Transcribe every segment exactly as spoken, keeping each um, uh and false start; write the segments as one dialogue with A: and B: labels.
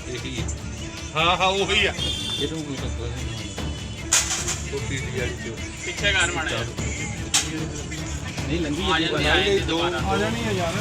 A: यही है। हाँ हाँ वही है।
B: ये तो कोई सकता है
A: तो पीली वाली जो
C: ਪਿੱਛੇ ਘਰ ਬਣਿਆ
B: नहीं लंगी
C: ਆ ਜਾਂਦੀ ਆ ਜਾਂਦੀ ਦੁਬਾਰਾ
A: ਆ ਜਾਣੀ ਹੈ ਯਾਰ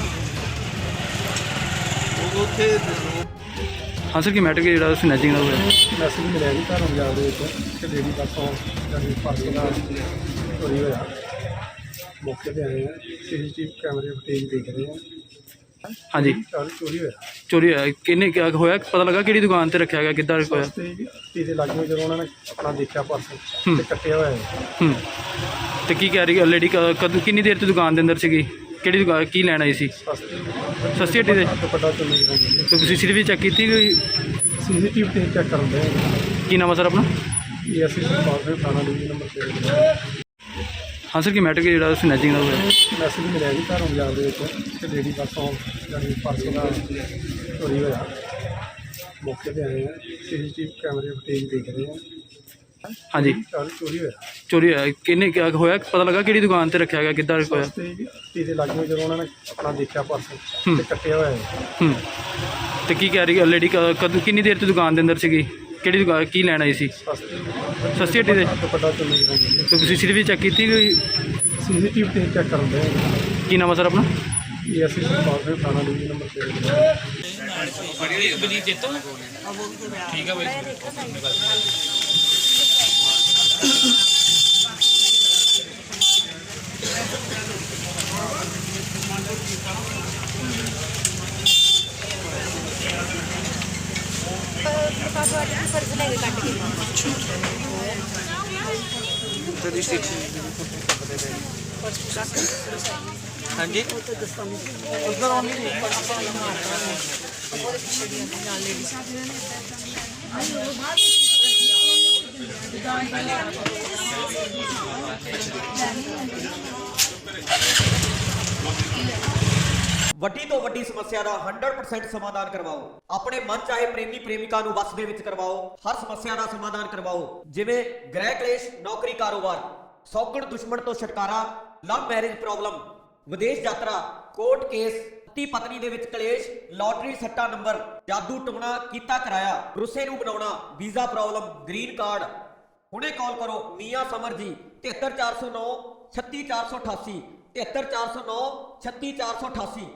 A: ਉਹ ਉੱਥੇ
D: ਹਾਂ ਸਰ ਕੀ ਮੈਟਰ ਕਿ ਜਿਹੜਾ ਸਨੈਚਿੰਗ ਦਾ ਹੋਇਆ
E: ਮੈਸੇਜ ਮਿਲਿਆ ਜੀ ਘਰੋਂ ਬਾਜ਼ਾਰ ਦੇ ਵਿੱਚ ਕਿ ਲੇਡੀ ਬੱਸੋਂ ਜਿਹੜੀ ਪਾਰਕਿੰਗ ਦਾ ਚੋਰੀ ਹੋਇਆ ਮੌਕੇ ਤੇ ਆਏ ਆ ਸੀਸੀਟੀਵੀ ਕੈਮਰੇ ਫੁਟੇਜ ਦੇਖ ਰਹੇ ਆ
D: ਹਾਂਜੀ
E: ਚੋਰੀ ਚੋਰੀ ਹੋਇਆ
D: ਚੋਰੀ ਹੋਇਆ ਕਿੰਨੇ ਕਿਆ ਹੋਇਆ ਪਤਾ ਲੱਗਾ ਕਿਹੜੀ ਦੁਕਾਨ ਤੇ ਰੱਖਿਆ ਗਿਆ ਕਿੱਦਾਂ ਹੋਇਆ
E: ਤੇ ਇਹਦੇ ਲਾਗੇ ਜਦੋਂ ਉਹਨਾਂ ਨੇ ਆਪਣਾ ਦੇਖਿਆ ਪਰਸ
D: ਹੂੰ।
E: ਤੇ ਕੱਟਿਆ ਹੋਇਆ ਹੈ।
D: ਹੂੰ ਤੇ ਕੀ ਕਹਿ ਰਹੀ ਲੇਡੀ ਕਦੋਂ ਕਿੰਨੀ ਦੇਰ ਤੋਂ ਦੁਕਾਨ ਦੇ ਅੰਦਰ ਸੀਗੀ ਕਿਹੜੀ ਦੁਕਾਨ ਕੀ ਲੈਣ ਆਈ ਸੀ
E: ਸਸਤੀ
D: ਸਸਤੀ ਹੱਟੀ ਦੇ
E: ਦੁਪੱਟਾ ਚੁੰਨੀ ਹੋਈ
D: ਤੇ ਸੀਸੀਟੀਵੀ ਚੈੱਕ ਕੀਤੀ ਕੋਈ
E: ਸੀਸੀਟੀਵੀ ਤੇ ਚੈੱਕ ਕਰਦੇ ਆ
D: ਕੀ ਨਾਮ ਆ ਸਰ ਆਪਣਾ
E: ਇਹ ਅਸੀਂ ਸਰਕਾਰ ਦੇ ਥਾਣਾ ਡਿਵੀਜ਼ਨ ਨੰਬਰ ਤੇ
D: ਹਾਂ ਸਰ ਕੀ ਮੈਟਰ ਕਿ ਜਿਹੜਾ ਸਨੈਚਿੰਗ ਦਾ ਹੋਇਆ
E: ਮੈਸੇਜ ਮਿਲਿਆ ਜੀ ਘਰੋਂ ਬਾਜ਼ਾਰ ਦੇ ਵਿੱਚ ਕਿ ਲੇਡੀ ਬੱਸੋਂ ਜਿਹੜੀ ਪਾਰਕਿੰਗ ਦਾ ਚੋਰੀ ਹੋਇਆ ਮੌਕੇ ਤੇ ਆਏ ਆ ਸੀਸੀਟੀਵੀ ਕੈਮਰੇ ਫੁਟੇਜ ਦੇਖ ਰਹੇ ਆ
D: ਹਾਂਜੀ
E: ਚੋਰੀ ਚੋਰੀ ਹੋਇਆ
D: ਚੋਰੀ ਹੋਇਆ ਕਿੰਨੇ ਕਿਆ ਹੋਇਆ ਪਤਾ ਲੱਗਾ ਕਿਹੜੀ ਦੁਕਾਨ ਤੇ ਰੱਖਿਆ ਗਿਆ ਕਿੱਦਾਂ ਹੋਇਆ
E: ਤੇ ਇਹਦੇ ਲਾਗੇ ਜਦੋਂ ਉਹਨਾਂ ਨੇ ਆਪਣਾ ਦੇਖਿਆ ਪਰਸ
D: ਹੂੰ।
E: ਤੇ ਕੱਟਿਆ ਹੋਇਆ ਹੈ।
D: ਹੂੰ ਤੇ ਕੀ ਕਹਿ ਰਹੀ ਲੇਡੀ ਕਦੋਂ ਕਿੰਨੀ ਦੇਰ ਤੋਂ ਦੁਕਾਨ ਦੇ ਅੰਦਰ ਸੀਗੀ ਕਿਹੜੀ ਦੁਕਾਨ ਕੀ ਲੈਣ ਆਈ ਸੀ
E: ਸਸਤੀ
D: ਸਸਤੀ ਹੱਟੀ ਦੇ
E: ਦੁਪੱਟਾ ਚੁੰਨੀ ਹੋਈ
D: ਤੇ ਸੀਸੀਟੀਵੀ ਚੈੱਕ ਕੀਤੀ ਕੋਈ
E: ਸੀਸੀਟੀਵੀ ਤੇ ਚੈੱਕ ਕਰਦੇ ਆ
D: ਕੀ ਨਾਮ ਆ ਸਰ ਆਪਣਾ
E: ਇਹ ਅਸੀਂ ਸਰਕਾਰ ਦੇ ਥਾਣਾ ਡਿਵੀਜ਼ਨ ਨੰਬਰ ਤੇ
C: ਬਲੀ ਚੇਤੋ ਠੀਕ ਹੈ ਬਾਈ
F: फर्ज लेके काट के
A: हाँ जी
F: उधर ऑन नहीं
G: ਵੱਡੀ ਤੋਂ ਵੱਡੀ ਸਮੱਸਿਆ ਦਾ ਸੌ ਪਰਸੈਂਟ ਸਮਾਧਾਨ ਕਰਵਾਓ। ਆਪਣੇ ਮਨ ਚਾਹੇ ਪ੍ਰੇਮੀ ਪ੍ਰੇਮਿਕਾ ਨੂੰ ਵਸ ਦੇ ਵਿੱਚ ਕਰਵਾਓ। ਹਰ ਸਮੱਸਿਆ ਦਾ ਸਮਾਧਾਨ ਕਰਵਾਓ, ਜਿਵੇਂ ਗ੍ਰਹਿ ਕਲੇਸ਼, ਨੌਕਰੀ, ਕਾਰੋਬਾਰ, ਸੌਗਣ ਦੁਸ਼ਮਣ ਤੋਂ ਛੁਟਕਾਰਾ, ਲਵ ਮੈਰਿਜ ਪ੍ਰੋਬਲਮ, ਵਿਦੇਸ਼ ਯਾਤਰਾ, ਕੋਰਟ ਕੇਸ, ਪਤੀ ਪਤਨੀ ਦੇ ਵਿੱਚ ਕਲੇਸ਼, ਲਾਟਰੀ ਸੱਟਾ ਨੰਬਰ, ਜਾਦੂ ਟੋਣਾ ਕੀਤਾ ਕਰਾਇਆ, ਰੁੱਸੇ ਨੂੰ ਬਣਾਉਣਾ, ਵੀਜ਼ਾ ਪ੍ਰੋਬਲਮ, ਗ੍ਰੀਨ ਕਾਰਡ। ਹੁਣੇ ਕਾਲ ਕਰੋ ਮੀਆਂ ਸਮਰ ਜੀ तिहत्तर चार सौ नौ छत्तीस चार सौ अठासी तिहत्तर चार सौ नौ छत्तीस चार सौ अठासी।